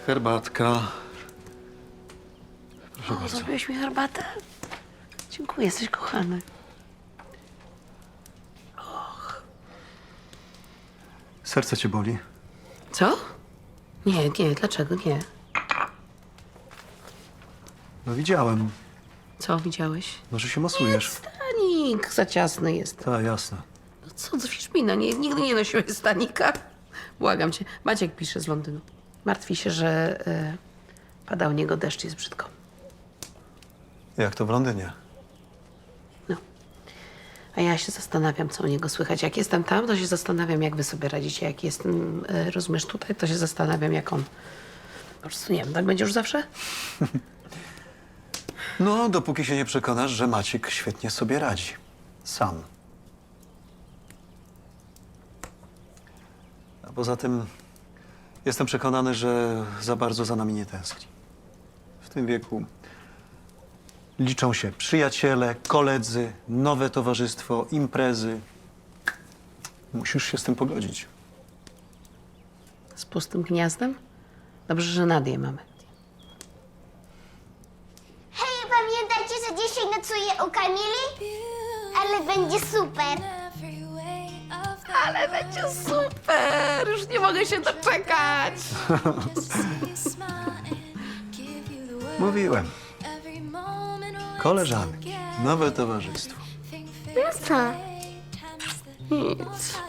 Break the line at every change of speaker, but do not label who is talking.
Herbatka. Proszę
O,
bardzo.
zrobiłeś mi herbatę? Dziękuję, jesteś kochany.
Serce cię boli?
Co? Nie, dlaczego nie?
No widziałem.
Co widziałeś?
No, że się masujesz.
Stanik, za ciasny jest.
Tak, jasne.
No co, drwisz mi, no nigdy nie nosiłeś stanika. Błagam cię. Maciek pisze z Londynu. Martwi się, że pada u niego deszcz, jest brzydko.
Jak to w Londynie?
No. A ja się zastanawiam, co u niego słychać. Jak jestem tam, to się zastanawiam, jak wy sobie radzicie. Jak jestem, rozumiesz, tutaj, to się zastanawiam, jak on... Po prostu nie wiem, tak będzie już zawsze?
No, dopóki się nie przekonasz, że Maciek świetnie sobie radzi. Sam. A poza tym jestem przekonany, że za bardzo za nami nie tęskni. W tym wieku liczą się przyjaciele, koledzy, nowe towarzystwo, imprezy. Musisz się z tym pogodzić.
Z pustym gniazdem? Dobrze, że Nadię mamy.
Hej, pamiętacie, że dzisiaj nocuję u Kamili? Ale będzie super.
Ale będzie super! Już nie mogę się doczekać!
Mówiłem. Koleżanki, nowe towarzystwo.
No co?
Nic.